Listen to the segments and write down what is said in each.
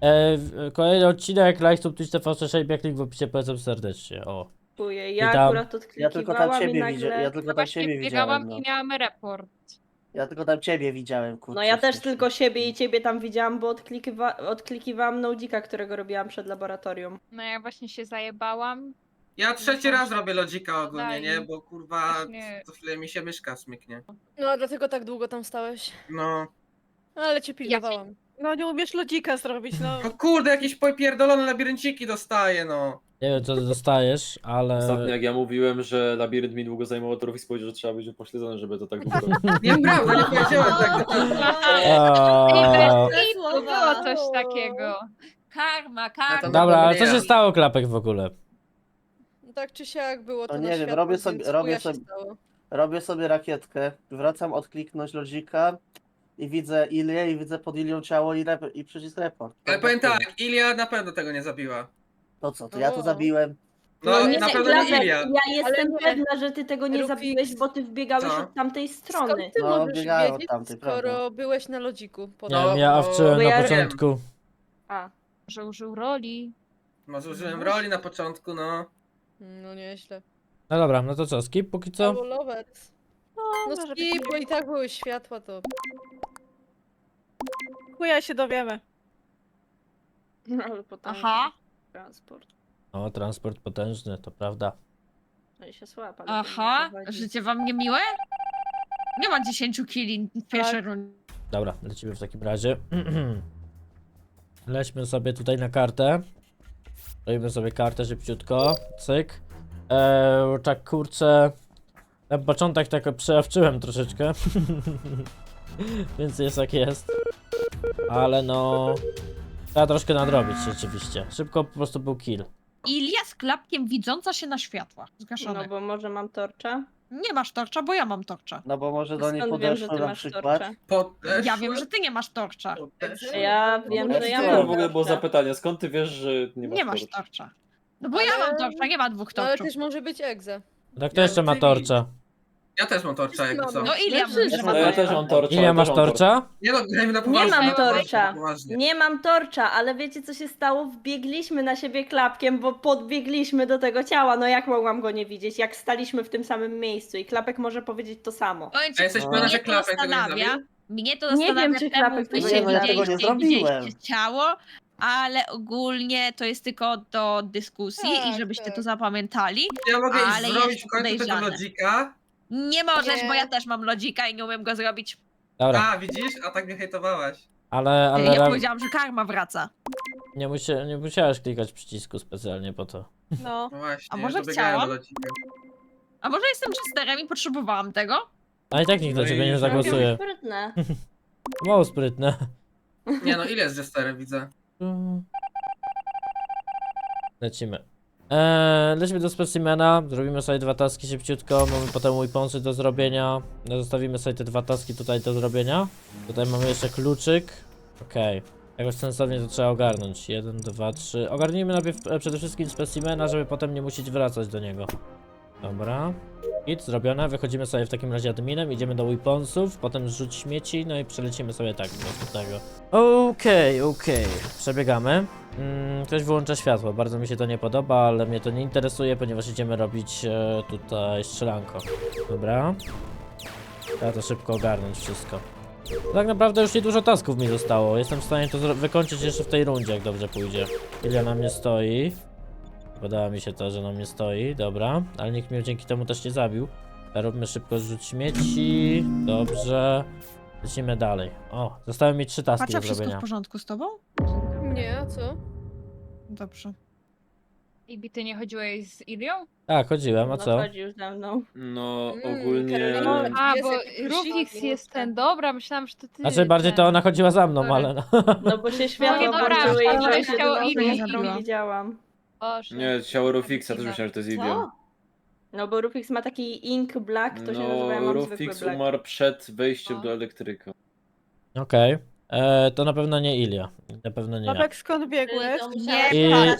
Kolejny odcinek, like, subtweet, TV, Szejbiak, link w opisie, polecam serdecznie, o. Dziękuję. Ja Witam. akurat Ja tylko tam odklikiwałam i ciebie nagle... widziałem. Ja tylko tam Właśnie ciebie biegałam widziałem. No. i miałam report. Ja tylko tam ciebie widziałem, kurczę. No ja też wcześniej. tylko siebie i ciebie tam widziałam, bo odklikiwałam Nodzika, którego robiłam przed laboratorium. No ja właśnie się zajebałam. Ja trzeci raz robię lodzika ogólnie, Daj. nie? Bo kurwa, Właśnie. co chwilę mi się myszka smyknie. No, a dlatego tak długo tam stałeś. No. Ale cię pilnowałam. No nie umiesz lodzika zrobić, no. No kurde, jakieś popierdolone labirynciki dostaję, no. Nie wiem, co ty dostajesz, ale... Ostatnio jak ja mówiłem, że labirynt mi długo zajmował, to Rufix powiedział, że trzeba być upośledzony, żeby to tak długo robić. Nieprawda, nie powiedziałem tak. Eee, To było coś takiego. Karma, karma. Dobra, ale co się stało, Klapek, w ogóle? No tak czy siak było to No na nie wiem, światło, robię więc sobie- chuja robię się sobie- stało. Robię sobie rakietkę, wracam odkliknąć lodzika i widzę Ilię i widzę pod Ilią ciało i przycisk report. Ale powiem tak, Ilia na pewno tego nie zabiła. To co, to ja to O. zabiłem. No, nie, na pewno Klapek, nie Ilia. ja jestem nie. pewna, że ty tego nie Rufix. zabiłeś, bo ty wbiegałeś Co? od tamtej strony. Skąd ty No, możesz biegałem od wiedzieć, tamtej, skoro prawda. byłeś na lodziku? Nie Podał. wiem, ja owczyłem bo na ja początku. A, Że użył roli. Może użyłem roli na początku, no. No nieźle. No dobra, no to co, skip póki co? Cało lovers. No może być skip, miło. bo i tak były światła, to... Chuja się dowiemy. ale potem Aha. transport. O, transport potężny, to prawda. No i się słapa. Aha, życie wam niemiłe? Nie ma 10 kili w pierwszej rundzie. Dobra, lecimy w takim razie. Lećmy sobie tutaj na kartę. Robimy sobie kartę szybciutko. Cyk. Tak kurczę. Na początek tak przeawczyłem troszeczkę. Więc jest jak jest. Ale no... Trzeba troszkę nadrobić rzeczywiście. Szybko po prostu był kill. Ilia z klapkiem widząca się na światłach No zgaszonych. bo może mam torcza? Nie masz torcza, bo ja mam torcza. No bo może do niej Skąd wiem, że podeszło ty na masz przykład. torcza? Ja wiem, że ty nie masz torcza. Ja wiem, że ja Co mam to w ogóle było torcza. zapytanie, skąd ty wiesz, że nie masz Nie masz torcza? torcza. No bo ja mam torcza, nie ma dwóch No, ale torczów. też może być egze. Tak, kto jeszcze ma torcza? Ja też mam torcza, jakby co. No Ilia mówi, że No ma No ja torcza. też mam torcza. Ile ja masz też mam torcza? Nie no, grajmy na Nie poważnie. mam na torcza. poważnie. Nie mam torcza, ale wiecie co się stało? Wbiegliśmy na siebie klapkiem, bo podbiegliśmy do tego ciała. No jak mogłam go nie widzieć, jak staliśmy w tym samym miejscu i klapek może powiedzieć to samo. Powiem ci, A jesteś No. pewna, mnie że to Klapek tego nie zastanawia. zrobił? Mnie to Nie zastanawia, wiem, czy czemu Klapek wy tego się nie zrobił. Ja tego nie widzieliście i zrobiłem. widzieliście ciało, ale ogólnie to jest tylko do dyskusji i Tak, żebyście tak. to zapamiętali. Ja mogę Ale iść zrobić jest w końcu tego podejrzane. lodzika. Nie możesz, Nie. bo ja też mam lodzika i nie umiem go zrobić. Dobra, A, widzisz? A tak mnie hejtowałaś. ale Ja powiedziałam, że karma wraca. nie musiałeś klikać przycisku specjalnie po to. No. No właśnie, A może dobiegałem chciałam? do lodzika. A może jestem chesterem i potrzebowałam tego? A i tak nikt No na ciebie i nie zagłosuje. Sprytne. Mało sprytne. Nie no, ile jest jesterem, widzę. Lecimy. Lecimy do specimena, zrobimy sobie 2 taski szybciutko, mamy potem weaponsy do zrobienia. Zostawimy sobie te 2 taski tutaj do zrobienia. Tutaj mamy jeszcze kluczyk. Okej. Jakoś sensownie to trzeba ogarnąć. 1, 2, 3. Ogarnijmy najpierw przede wszystkim specimena, żeby potem nie musieć wracać do niego. Dobra. Git zrobione, wychodzimy sobie w takim razie adminem, idziemy do weaponsów, potem rzuć śmieci, no i przelecimy sobie tak do następnego. Okej. Przebiegamy. Ktoś wyłącza światło, bardzo mi się to nie podoba, ale mnie to nie interesuje, ponieważ idziemy robić tutaj strzelanko. Dobra. Trzeba to szybko ogarnąć wszystko. Tak naprawdę już niedużo tasków mi zostało, jestem w stanie to wykończyć jeszcze w tej rundzie, jak dobrze pójdzie. Ile na mnie stoi. Podoba mi się to, że na mnie stoi, dobra, ale nikt mnie dzięki temu też nie zabił. Róbmy szybko zrzut śmieci, dobrze. Lecimy dalej. O, zostały mi 3 taski Patrzę, do wszystko w zrobienia. porządku z tobą? Nie, a co? Dobrze. I ty nie chodziłeś z Ilią? Tak, chodziłem, a No co? chodził ze mną. No Mm, ogólnie... Karolina, tak A, jest bo jak Rufix plusiki. jest ten, dobra, myślałam, że to ty. Znaczy bardziej to ona chodziła za mną, Sorry. ale no. No bo się światło nie, dobra, włączyły i ale byłeś chciało jedyną Ilię osobą, którą zabiła. widziałam. Boże. Nie, ciało Rufixa, też myślałem, że to jest Ilia. Co? No bo Rufix ma taki ink black, to się nazywa, ja No, mam zwykły Rufix black. umarł przed wejściem O. do elektryka. Okej. To na pewno nie Ilia. Na pewno nie ja. Babek, skąd biegłeś?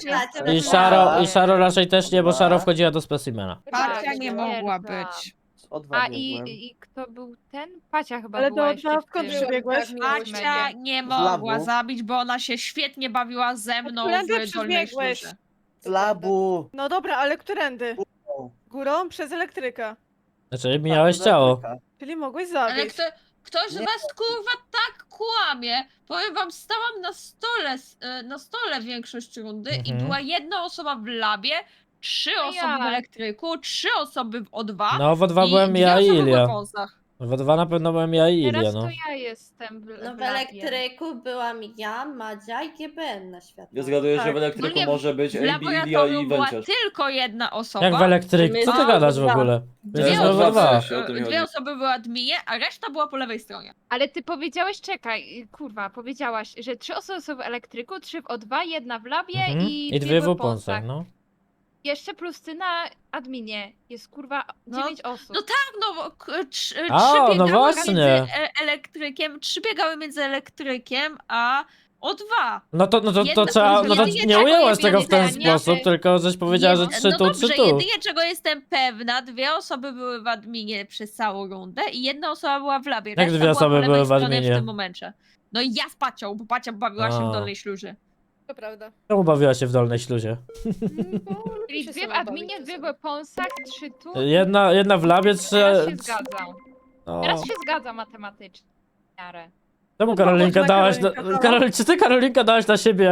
I Sharo raczej też nie, bo Sharo wchodziła do specimena. Partia nie mogła Tak. być. O2 A biegłem. i kto był ten? Pacia chyba Ale była to jeszcze Odwa, w skąd tym. przybiegłeś? Macia nie Z mogła labu. zabić, bo ona się świetnie bawiła ze mną Którędy w dolnej przybiegłeś? szluze. Z labu. No dobra, ale którędy? O, Górą? Przez elektryka. Znaczy, mijałeś tak, ciało. Elektryka. Czyli mogłeś Ale zabić. ktoś z Nie. was kurwa tak kłamie. Powiem wam, stałam na stole większość rundy i Mhm. była jedna osoba w labie, 3 osoby w ja. elektryku, 3 osoby w O2 No, w O2 i byłem 2 ja i osoby w Ilia. weaponsach. W O2 na pewno byłem ja i Ilia, Teraz no. to ja jestem w No w labie. elektryku byłam ja, Madzia i GBN na światło. Ja zgaduję, że Tak. w elektryku Ogólnie może być W AB, Ilia i laboratorium była Węciarz. tylko jedna osoba. Jak w elektryku? Co ty A, gadasz w dobra. ogóle? Dwie Jesteśmy Ja w dwa O2. sensie, o tym mi chodzi. Dwie osoby były adminie, a reszta była po lewej stronie. Ale ty powiedziałeś, czekaj, kurwa, powiedziałaś, że 3 osoby są w elektryku, 3 w O2, 1 w labie Mhm. i I 2 w weaponsach. oponsach, no. Jeszcze plus ty na adminie. Jest kurwa No, 9 osób. no tak, no bo trzy A, no biegały właśnie. między elektrykiem, 3 biegały między elektrykiem, a O2. No to Jedna- trzeba, no to jedynie nie czego ujęłaś jest tego w ten wiedziałem, sposób, nie? tylko żeś powiedziała, że Nie, 3 no tu, dobrze, 3 tu. jedynie czego jestem pewna, 2 osoby były w adminie przez całą rundę i 1 osoba była w labie. Jak Reszta 2 była osoby po lewej były w stronie adminie? w tym momencie. No i ja z Pacią, bo Pacia bawiła się A. w dolnej śluzie. To prawda. Czemu bawiła się w dolnej śluzie? Czyli się 2 w sama adminie, bawić 2 w czasem. weaponsach, 3 tu. Jedna w labie, 3... Teraz się zgadzam. No. Teraz się zgadza matematycznie. W miarę. Czemu Karolinka Można dałaś na... Karolinka, Czy ty Karolinka dałaś na siebie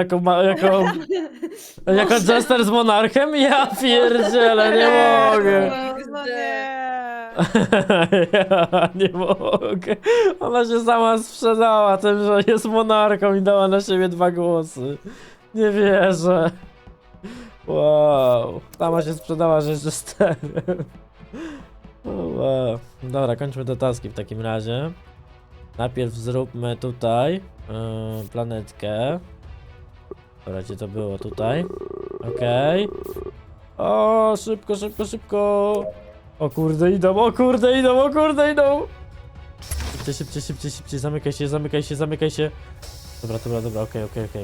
jako jester z monarchem? Ja pierdzielę, nie mogę. No nie. Ja nie mogę. Ona się sama sprzedała tym, że jest monarką i dała na siebie 2 głosy. Nie wierzę. Wow. Sama się sprzedała, że jeszcze sterem. Wow. Dobra, kończmy te taski w takim razie. Najpierw zróbmy tutaj planetkę. Dobra, gdzie to było? Tutaj. Okej. O, szybko, szybko, szybko. O kurde, idą, o kurde, idą, o kurde, idą. Szybciej, szybciej, szybciej, szybciej. Zamykaj się, zamykaj się, zamykaj się. Dobra, dobra, dobra, okej, okej, okej.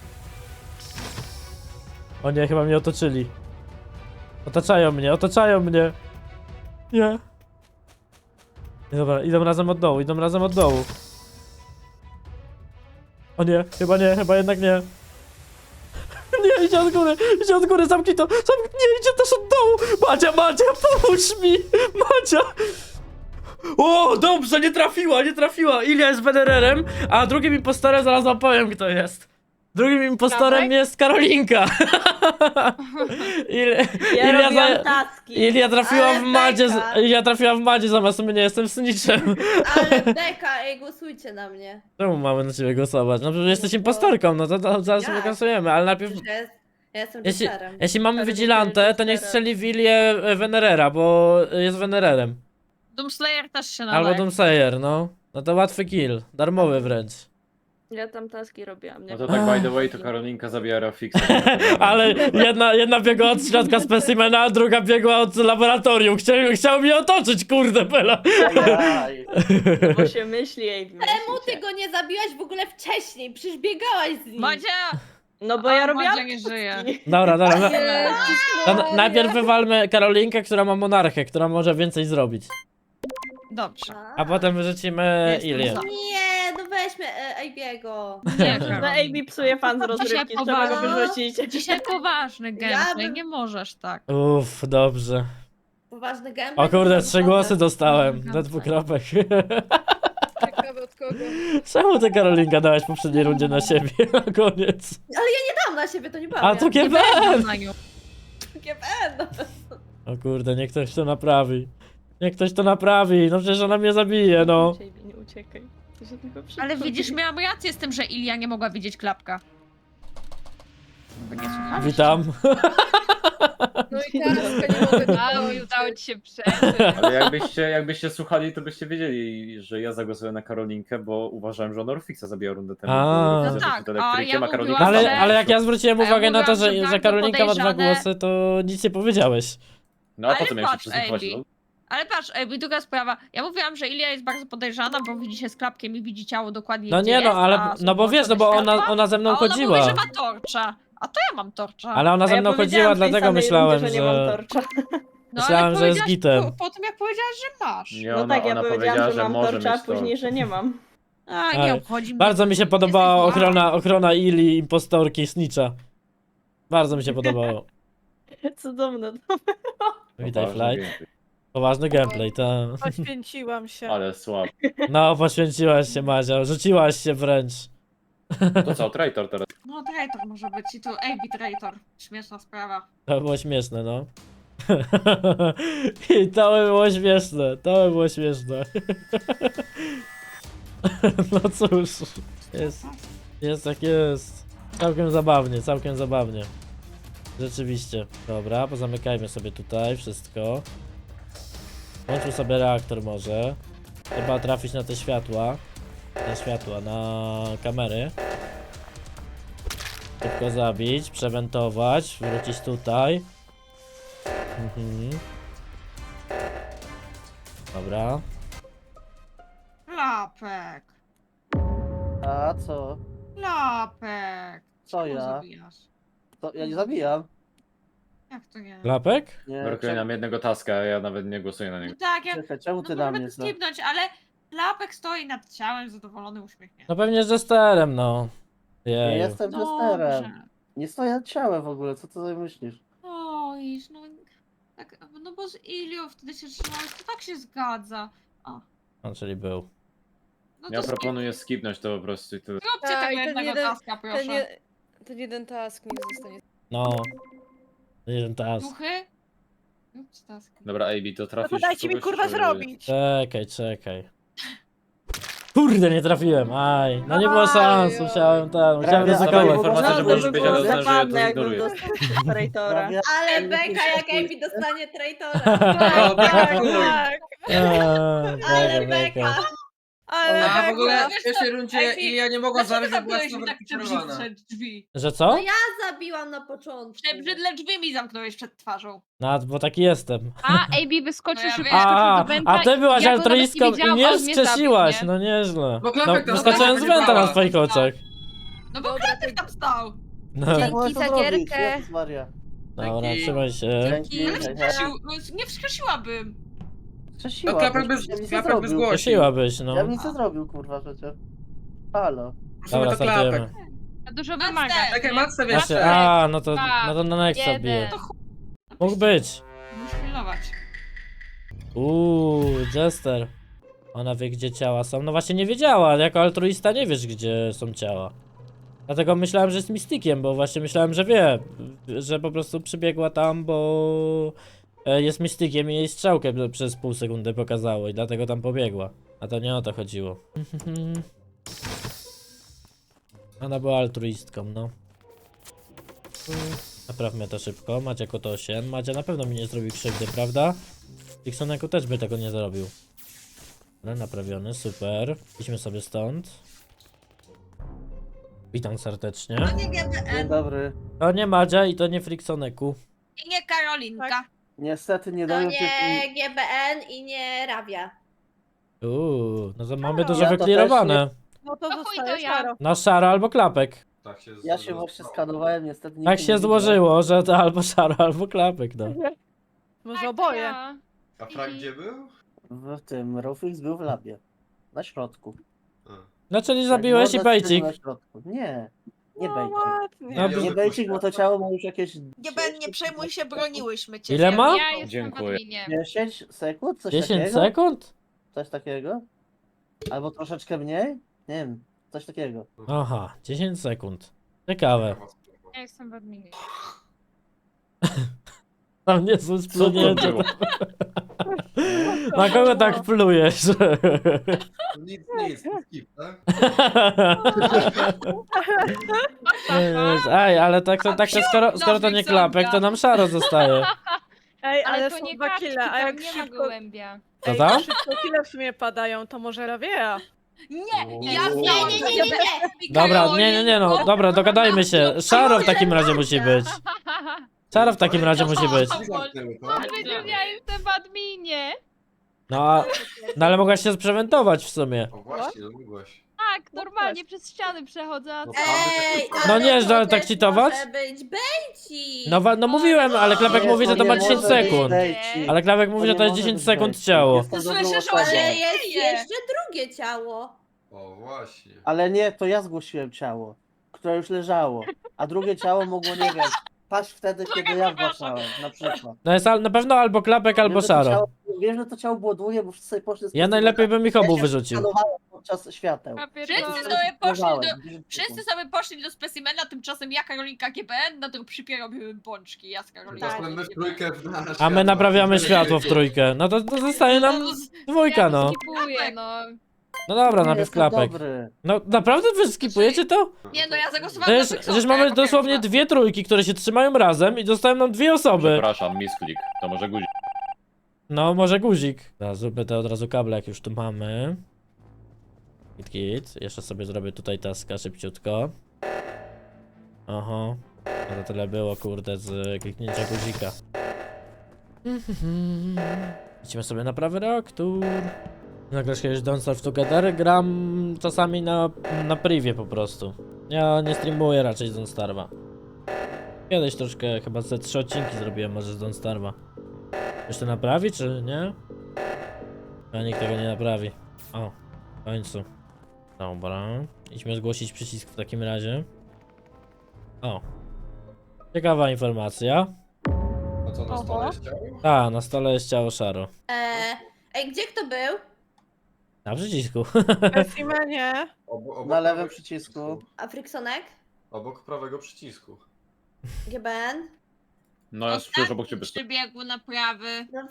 O nie, chyba mnie otoczyli. Otaczają mnie, otaczają mnie. Nie. Nie, dobra, idą razem od dołu, idą razem od dołu. O nie, chyba jednak nie. Nie, idzie od góry, zamknij to, nie, idzie też od dołu. Madzia, pomóż mi, Madzia. O, dobrze, nie trafiła. Ilia jest Wenererem, a drugim impostorem zaraz wam powiem, kto jest. Drugim impostorem Dawaj. jest Karolinka. Ja Ilia robiłam taski. Ilia trafiła w Madzie zamiast mnie, jestem snitchem. Ale beka, ej, głosujcie na mnie. Czemu mamy na ciebie głosować? No przecież jesteś impostorką, no to zaraz Jak? wygłosujemy, ale najpierw... Przecież ja jestem Jeśli, testerem. jeśli mamy Ale Vigilante, mówię, to niech że strzeli w Ilię Venerera, bo jest Venererem. Doomslayer też się nadaje. Albo Doomsayer, no. No to łatwy kill, darmowy wręcz. Ja tam taski robiłam, nie? No to tak by the way, to Karolinka zabija Rafixa. Ale jedna biegła od środka specimena, a druga biegła od laboratorium. Chciał mnie otoczyć, kurde, Bela. Ajaj. Bo się myśli, ej, Czemu ty go nie zabiłaś w ogóle wcześniej? Przecież biegałaś z nim. Madzia! No bo ja A, robiłam Madzia nie żyje. Dobra. No, Najpierw wywalmy Karolinkę, która ma monarchę, która może więcej zrobić. Dobrze. A potem wyrzucimy Jestem Ilię. za. Nie, no weźmy Abiego. Nie, Że Karol. AB psuje fan z rozrywki, trzeba go wyrzucić. Dzisiaj poważny gameplay, bym- nie możesz tak. Uff, dobrze. Poważny gameplay. O kurde, 3 głosy do... dostałem. Do 2 kropek. Ciekawe od kogo. Czemu ty, Karolinka, dałaś w poprzedniej rundzie na siebie na koniec? Nie dam na siebie, to nie bawię. A to Nie GBN! będę na nią. GBN. O kurde, niech ktoś to naprawi. Niech ktoś to naprawi, no przecież ona mnie zabije, no. Nie uciekaj. To się tylko Ale przychodzi. widzisz, miałam rację z tym, że Ilia nie mogła widzieć klapka. Wy nie słuchaliście? Witam. No i taska nie mogę Mało, udało ci się przeżyć. Ale jakbyście słuchali, to byście wiedzieli, że ja zagłosuję na Karolinkę, bo uważałem, że ona Rufixa zabija rundę temu. A. bo No widzę, że tak, przed a elektrykiem, ja Karolinka mówiłam, stała. Ale jak ja zwróciłem A ja uwagę na to, mówiłam, że że bardzo Karolinka ma 2 podejrzane- głosy, to nic nie powiedziałeś. No a po Ale co miałem się patrz, przysłuchiwać? Amy. No? Ale patrz, i druga sprawa. Ja mówiłam, że Ilia jest bardzo podejrzana, bo widzi się z klapkiem i widzi ciało dokładnie No gdzie nie no, jest, ale, a no bo są wiesz, no bo włączone ona, światła, ona ze mną a ona chodziła. mówi, że ma torcza. A to ja mam torcza. Ale ona A ze ja mną powiedziałam chodziła, w tej dlatego samej myślałem, rundzie, że nie mam torcza. Myślałem, ale że jest powiedziałaś gitem. Po tym jak powiedziałaś, że masz. Nie, No ona, tak, ja ona powiedziałam, powiedziała, że że mam może torcza, a mieć to. później, że nie mam. A, Ej, nie obchodzi mnie. Bardzo mi się podobała Jesteś zła. ochrona Ili, impostorki, Snitcha. Bardzo mi się podobało. Cudowne. Witaj, Poważny Flight. gameplay. Poważny gameplay, tak. Poświęciłam się. Ale słabo. No, poświęciłaś się, Madzia. Rzuciłaś się wręcz. To co, traitor teraz? No traitor może być i to AB traitor. Śmieszna sprawa. To było śmieszne, no. I to by było śmieszne, to by było śmieszne. No cóż, jest jak jest. Całkiem zabawnie, całkiem zabawnie. Rzeczywiście. Dobra, pozamykajmy sobie tutaj wszystko. Włączył sobie reaktor może. Trzeba trafić na te światła. Na kamery. Szybko zabić, przewentować, wrócić tutaj. Dobra. Klapek. A co? Klapek. Co Czemu ja? zabijasz? To ja nie zabijam. Jak to nie? Klapek? Nie, Brakuje nam jednego taska, a ja nawet nie głosuję na No niego. tak, ja Czekaj, czemu ty no na możemy mnie to co? skipnąć, ale klapek stoi nad ciałem, zadowolony, uśmiechnięty. No pewnie z Jesterem, no. Nie Jeju. jestem jesterem. Dobrze. Nie stoję nad ciałem w ogóle, co ty sobie myślisz? Oj, no tak, no bo z Ilią wtedy się trzymałeś, to tak się zgadza. No, czyli był. No Ja to proponuję skipnąć to po prostu i tyle. zróbcie Tak, tego i ten jednego jeden- taska, proszę. Ten jeden task niech zostanie. No. Jeden tas. Duchy? Róbcie taski. Dobra, AB, to No trafisz to dajcie mi kogoś, kurwa czy- zrobić. Czekaj. Kurde, nie trafiłem, aj. No nie było szans, Aj, oj. musiałem Prawie ryzykować. było informacja, że No, to możesz by być, było ale uznałem, że ja to zabawne, jakbym ignoruję. dostał traitora. Prawie- Ale beka jak Amy dostanie traitora. No, beka Tak, w chuj. tak. Ale beka. Ale A w ogóle beka. w pierwszej rundzie Ej, Ilia nie mogła Dlaczego zabić, bo była zamknąłeś mi tak znowu przed drzwi? Że co? No ja zabiłam na początku. Przed drzwi mi zamknąłeś przed twarzą. No, bo taki jestem. A, AB wyskoczył No ja szybko wiem. wyskoczył do węta A ty byłaś i ja go nawet altruistką i widziałam, mnie on mnie wskrzesiłaś, zabił, nie? no nieźle. Bo No, klapek tam wyskoczyłem z stała, węta na nie twoich oczach. No bo Dobra, klapek tam stał. No, Jak mogę to za zrobić? gierkę. Jezus Maria. dobra, Dzięki. trzymaj się. Dzięki. Ale hej, hej. nie wskrzesiłabym. Wskrzesiła, No klapek byś, ja bym nic nie klapek zrobił. zgłosił. Prosiłabyś, no. Ja bym nic nie zrobił, kurwa, przecież. Halo. Prosimy Dobra, to klapek. startujemy. A dużo Matce. wymaga. Czekaj, nie? matce wiesz. Właśnie, no to na Nexa Jeden. bije. Mógł być. Muszę pilnować. Jester. Ona wie, gdzie ciała są. No właśnie nie wiedziała, ale jako altruista nie wiesz, gdzie są ciała. Dlatego myślałem, że jest mistykiem, bo właśnie myślałem, że wie. Że po prostu przybiegła tam, bo jest mistykiem i jej strzałkę przez pół sekundy pokazało i dlatego tam pobiegła. A to nie o to chodziło. Ona była altruistką, no. Naprawmy to szybko. Macie Kotosien. Madzia na pewno mi nie zrobił krzywdy, prawda? Dixoneku też by tego nie zrobił. Ale naprawiony, super. Idźmy sobie stąd. Witam serdecznie. To nie Dzień GBN dobry. To nie Madzia i to nie Friksoneku. i nie Karolinka. Niestety nie To dają cię... nie GBN i nie Rawia. No to mamy dużo Ja to wyklirowane. No to To chuj, to zostaje ja. szaro. Na szaro albo klapek. Ja się właśnie skanowałem, niestety nie Tak się złożyło, że to albo szaro, albo klapek, no. Może Tak, oboje. ja. A Frank gdzie był? W tym, Rufix był w labie. Na środku. No czyli zabiłeś i Morda bejcik. na środku. Nie, nie No bejcik. ładnie. No, Nie bejcik, bo to ciało ma już jakieś... GBN, nie przejmuj się, broniłyśmy cię. Ile ma? Ja jestem Dziękuję. w adminie. 10 sekund? Coś 10 takiego? sekund? Coś takiego? Albo troszeczkę mniej? Nie wiem, coś takiego. Aha, 10 sekund. Ciekawe. Ja jestem w adminie. Tam nie są Co to splunięcie. było? Na kogo tak plujesz? Nic, skip, tak? Ej, ale tak to skoro to nie klapek, to nam szaro zostaje. Ej, ale to są nie 2 kaczki, kile, a tam jak nie ma szybko... gołębia. Co Ej, tam? szybko kile w sumie padają, to może Rawia. Nie, ja Uuu. znałam Nie. Dobra, nie, no, dobra, dogadajmy się. Szaro w takim razie musi być. Szaro w takim razie musi być. Zamknęły to. Ale przecież ja jestem w adminie. No ale mogłaś się sprewentować w sumie. O właśnie, mogłaś. tak, normalnie przez ściany przechodzę. A No co? Ej, No ale nie, to że tak też cheatować? może być bejcik. No mówiłem, ale Klapek Nie, mówi, że to ma nie 10 może być sekund. bejcik. Ale Klapek mówi, że to jest nie 10 może być sekund bejcik. ciało. Jestem Słyszę, dobrą że osobą. Ale jest Nie. jeszcze drugie ciało. O, właśnie. Ale nie, to ja zgłosiłem ciało, które już leżało. A drugie ciało mogło, nie wiem, paść wtedy, kiedy ja zgłaszałem, na przykład. No jest na pewno albo Klapek, albo Wiem, że to Szaro. ciało- Wiem, że to ciało było długie, bo wszyscy sobie poszli z Ja najlepiej bym ich obu wyrzucił. Skanowałem podczas świateł. Ja Wszyscy pierdolę. sobie poszli do... Skanowałem. Wszyscy sobie poszli do specimena, tymczasem ja, Karolinka GBN, na dropshipie robiły pączki, ja z Karolinką. Teraz my w trójkę w nasz A my naprawiamy światło w trójkę. No to zostaje nam dwójka, Ja no. skipuję, no. No dobra, Nie, najpierw jestem Klapek. dobry. No naprawdę wy skipujecie to? Nie no, ja zagłosowałam na Przecież Friksonkę mamy jako dosłownie pierwsza. dwie trójki, które się trzymają razem i zostają nam dwie osoby. Przepraszam, misklik. To może guzik. No, może guzik. Teraz zróbmy te od razu kable, jak już tu mamy. Git. Jeszcze sobie zrobię tutaj taska szybciutko. Oho. No to tyle było, kurde, z kliknięcia guzika. Idźmy sobie na prawy reaktor. Nagrasz kiedyś Don't Starve Together? Gram czasami na privie po prostu. Ja nie streamuję raczej z Don't Starve'a. Kiedyś troszkę, chyba ze 3 odcinki zrobiłem może z Don't Starve'a. Już to naprawi, czy nie? A nikt tego nie naprawi. O, w końcu. Dobra. Idźmy zgłosić przycisk w takim razie. O. Ciekawa informacja. A co na stole jest ciało? Ta, na stole jest ciało Szaro. Ej, gdzie kto był? Na przycisku. Specimenie. Obok Na lewym prawego przycisku. A Friksonek? Obok prawego przycisku. GBN? No ja przecież obok ciebie stoję. Przybiegł na prawy. No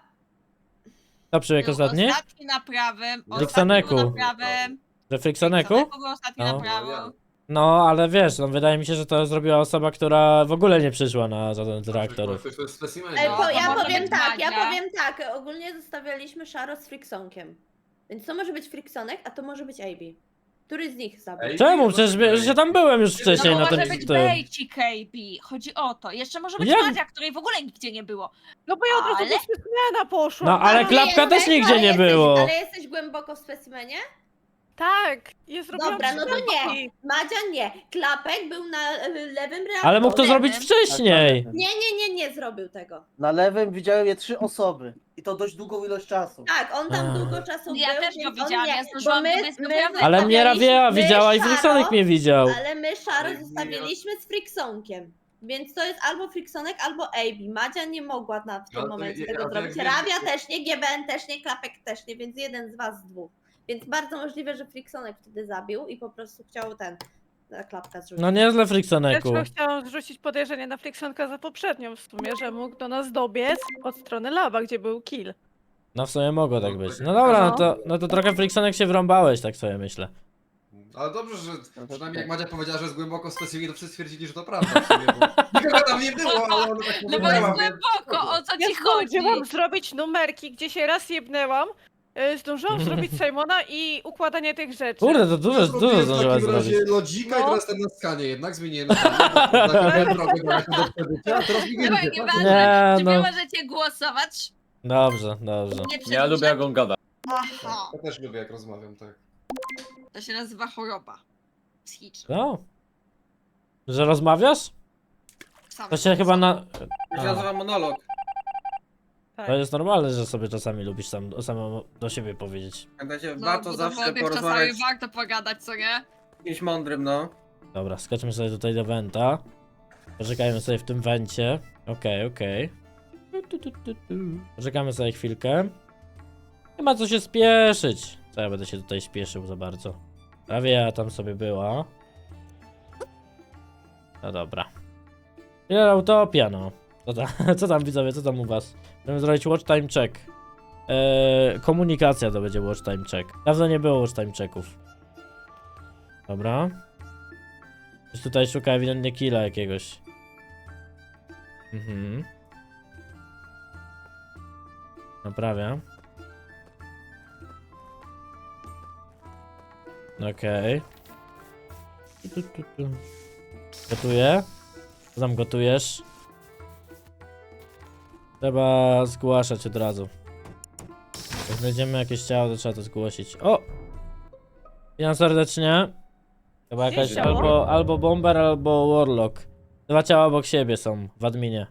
To przybieg Był ostatni? ostatni na prawym. Friksoneku. Ostatni był na prawym. Że Friksoneku? Friksoneku był ostatni No. na prawo. No, ale wiesz, no, wydaje mi się, że to zrobiła osoba, która w ogóle nie przyszła na żaden z reaktorów. To jest specimen. Ej, No, po, to ja może powiem być tak, Madzia. Ogólnie zostawialiśmy Szaro z Friksonkiem. Więc to może być Friksonek, a to może być AB. Który z nich zabił? Ej, Czemu? Przecież że tam byłem już wcześniej No na może tym. być tym. Bejcik KB. Chodzi o to. Jeszcze może być Jak? Madzia, której w ogóle nigdzie nie było. No bo ja od razu Ale- do specimena poszłam. No ale Ale Klapka jesteś- też nigdzie ale nie jesteś- było. Ale jesteś głęboko w specimenie? Tak, jest zrobiłam Dobra, no to wszystko. nie. Madzia nie. Klapek był na lewym reaktorze. Ale mógł to zrobić Lewym. wcześniej. Nie zrobił tego. Na lewym widziałem je 3 osoby. I to dość długą ilość czasu. Tak, on tam A. długo czasu Ja był, też go więc on widziałam, nie. ja Bo zdążyłam my, dobiec do my prawej. Ale mnie Rawia my widziała i Szaro, Friksonek mnie widział. Ale my Szaro Ale zostawiliśmy z Friksonkiem. Więc to jest albo Friksonek, albo AB. Madzia nie mogła w tym Ale momencie ja- tego ja zrobić. wiem, Rawia że- też nie, GBN też nie, Klapek też nie, więc jeden z was dwóch. Więc bardzo możliwe, że Friksonek wtedy zabił i po prostu chciał na Klapka zrzucić. No niezle Też Friksoneku. chciałam zrzucić podejrzenie na Friksonka za poprzednią w sumie, że mógł do nas dobiec od strony laba, gdzie był kill. No w sumie mogło tak być. No dobra, No. no to trochę Friksonek się wrąbałeś, tak sobie myślę. Ale dobrze, że przynajmniej jak Madzia powiedziała, że jest głęboko w specimenie, to wszyscy stwierdzili, że to prawda w sumie, bo nikogo tam nie było, ale ona tak No bo powiedziała, jest więc- głęboko, o co Ja ci chodzi? zdążyłam zrobić numerki, gdzie się raz jebnęłam. Zdążyłam zrobić Simona i układanie tych rzeczy. Kurde, to dużo Zrobiłem w zdążyłaś takim razie zrobić. lodzika i No. teraz jestem na skanie, jednak zmieniłem na taką drogę do przebycia, a teraz mi Chyba wiecie, nie tak? ważne, Nie, czy no. wy możecie głosować? Dobrze, dobrze. Nie Ja przedłużać? lubię jak on gada. Aha, Ja też lubię jak rozmawiam, tak. to się nazywa choroba psychiczna. No. Że rozmawiasz? Sam To się chyba na... To się nazywa monolog. Tak. To jest normalne, że sobie czasami lubisz sam do siebie powiedzieć. Pamiętajcie, No, warto bo zawsze czasami porozmawiać warto pogadać, co nie? z kimś mądrym, no. Dobra, skoczmy sobie tutaj do Wenta. Poczekajmy sobie w tym Wencie. Okej. Poczekamy sobie chwilkę. Nie ma co się spieszyć. Co ja będę się tutaj spieszył za bardzo. Prawie ja tam sobie była. No dobra. Killer Utopia, no. Co tam widzowie, co tam u was? Chcemy zrobić watch time check. Komunikacja to będzie watch time check. Dawno nie było watch time checków. Dobra. Ktoś tutaj szuka ewidentnie killa jakiegoś. Naprawia. Okej. Gotuję. Co tam gotujesz? Trzeba zgłaszać od razu. Jak znajdziemy jakieś ciało, to trzeba to zgłosić. O! Witam serdecznie. Chyba Gdzie jakaś ciało? albo bomber, albo warlock. Dwa ciała obok siebie są w adminie.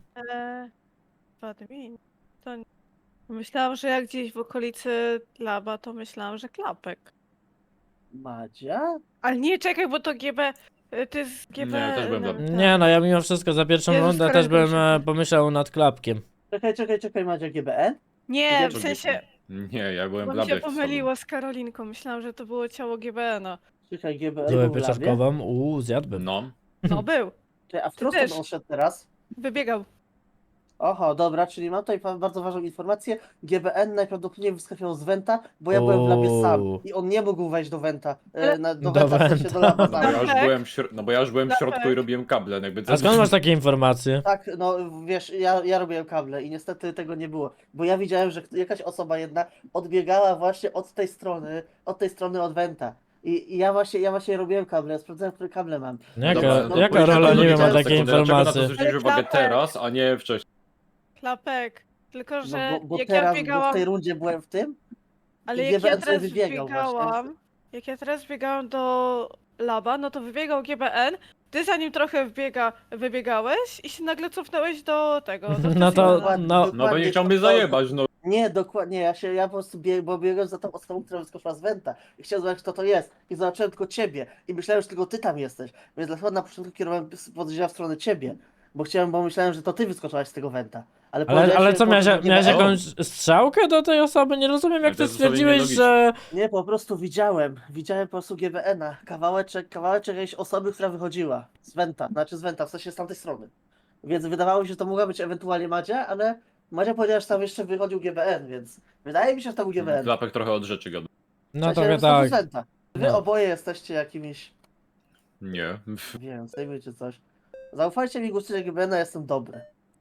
W admin. To nie. Myślałam, że jak gdzieś w okolicy laba, to myślałam, że klapek. Madzia? Ale nie, czekaj, bo to GB... To jest GB... Nie, też byłem tak. Nie no, ja mimo wszystko za pierwszą Jezus, rundę też Karolina, bym szybko. pomyślał nad klapkiem. Czekaj, Madzia, GBN? Nie, w Drugi- sensie... Nie, ja byłem Bo w mi się labie. pomyliło z Karolinką. Myślałam, że to było ciało GBN-a. Czekaj, GBN Zupę był w labie? pieczarkową, zjadłbym. No. No był. Czekaj, a w Ty którą też. stronę on szedł teraz? Wybiegał. Oho, dobra, czyli mam tutaj bardzo ważną informację. GBN najprawdopodobniej wyskakiwał z Wenta, bo ja byłem w labie sam Uuu. i on nie mógł wejść do Wenta. Do Do Wenta, w sensie Wenta. do laba. No bo ja już Klapek. byłem no bo ja już byłem w Klapek. środku i robiłem kable, no jakby A skąd masz takie informacje? Tak, no wiesz, ja robiłem kable i niestety tego nie było, bo ja widziałem, że jakaś osoba jedna odbiegała właśnie od tej strony od Wenta. I ja właśnie robiłem kable, ja sprawdzałem, które kable mam. Jaka, Dobra, no, jaka pójdę rola do nie logicznej ma takiej sekundy. Dlaczego na to informacji? zwróciłeś uwagę Klapek. teraz, a nie wcześniej? Klapek. Tylko, że No bo jak ja teraz, bo w biegałam... tej rundzie byłem w tym. Ale I jak ja GBN sobie teraz wybiegał właśnie. biegałam, jak ja teraz biegałam do laba, no to wybiegał GBN, ty zanim trochę wybiegałeś i się nagle cofnąłeś do tego, do No to, specimena. no, No bo nie chciał mnie zajebać, no. Nie, dokładnie, ja po prostu bo biegłem za tą osobą, która wyskoczyła z Wenta i chciałem zobaczyć, kto to jest. I zobaczyłem tylko ciebie i myślałem, że tylko ty tam jesteś. Więc dlatego na początku kierowałem podejrzenia w stronę ciebie. Bo myślałem, że to ty wyskoczyłaś z tego Wenta. Ale ale co, miałeś GBN. jakąś strzałkę do tej osoby? Nie rozumiem, jak Ale to ty jest zupełnie stwierdziłeś, nielogiczne. że... Nie, po prostu widziałem po prostu GBN-a, kawałeczek jakiejś osoby, która wychodziła z Wenta, w sensie z tamtej strony. Więc wydawało mi się, że to mogła być ewentualnie Madzia, ale Madzia powiedziała, że tam jeszcze wychodził GBN, więc wydaje mi się, że to był GBN. Klapek trochę od rzeczy gada. No W sensie, trochę że są tak. z Wenta. Wy No. oboje jesteście jakimiś, Nie. nie wiem, zdejmujcie coś. Zaufajcie mi, głosujcie GBN-a, jestem dobry.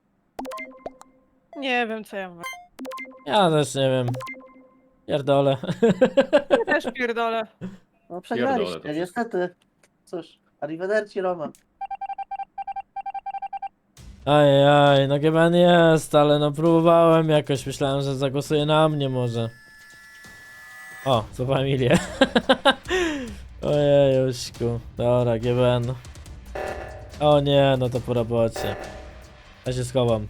Nie wiem, co ja mówię. Ja też nie wiem. Pierdolę. Ja też pierdolę. No Pierdolę to przegraliście, wszystko. niestety. Cóż, arrivederci Roma. Ajaj, no GBN jest, ale no próbowałem jakoś, myślałem, że zagłosuje na mnie może. O, co familię. Ojejuśku. Dobra, GBN. O nie, no to po robocie. Ja się schowam.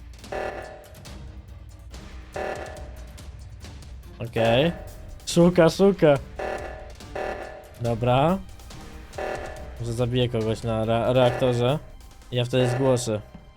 Okej. Szuka. Dobra. Może zabiję kogoś na reaktorze. I ja wtedy zgłoszę.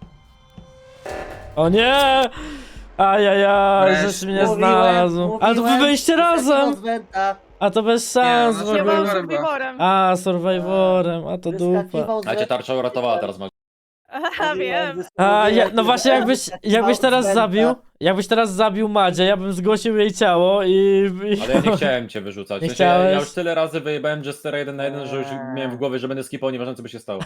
O nie! Ajajaj, żeś mnie znalazł. Ale to wy byliście razem! Z Wenta, A to bez szans Nie, w no, Ja ogóle. byłam z Survivorem. Survivorem. A, Survivorem, a to dupa. wyskakiwał z A cię Wenta. tarcza uratowała teraz, Max. Aha, wiem. A, no właśnie jakbyś teraz zabił Madzie, ja bym zgłosił jej ciało i... Ale ja nie chciałem cię wyrzucać. Nie W sensie, ja chciałeś? już tyle razy wyjebałem Jestera 1 na 1, że już miałem w głowie, że będę skipał, nieważne co by się stało.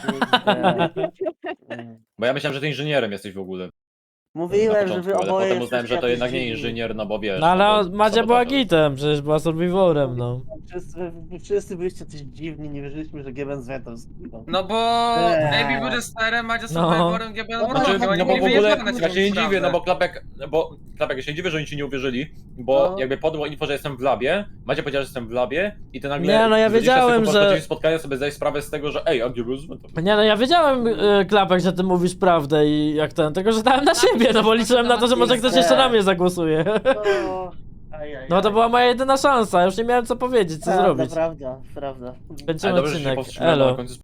Bo ja myślałem, że ty inżynierem jesteś w ogóle. Na Mówiłem, że wy początku, ale oboje potem uznałem, że to jesteście jednak nie jacyś dziwni. inżynier, no bo wiesz. No ale bo Madzia była sabotaż. gitem, przecież była Survivorem, no. Wszyscy byliście coś dziwni, nie wierzyliśmy, że GBN z Wentem zginął. No bo Eee. AB był Jesterem, Madzia No. Survivorem, GBN No, Znaczy, no, no bo w ogóle, wyjeżdżamy ja się nie dziwię, no bo Klapek, ja się nie dziwię, że oni ci nie uwierzyli, bo No. jakby podło info, że jestem w labie, Macie powiedziała, że jestem w labie i ty nagle Nie, no ja 20 wiedziałem, sekund że- po rozpoczęciu spotkania sobie zdajesz sprawę z tego, że ej, a gdzie był Zwentow? Nie no, ja wiedziałem, Klapek, że ty mówisz prawdę i jak ten, tylko że dałem na siebie, no bo liczyłem na to, że może ktoś jeszcze na mnie zagłosuje. No, No to była moja jedyna szansa, już nie miałem co powiedzieć, co zrobić. Prawda. Kończymy Ale dobrze, że się odcinek, powstrzymałem, bo elo. na końcu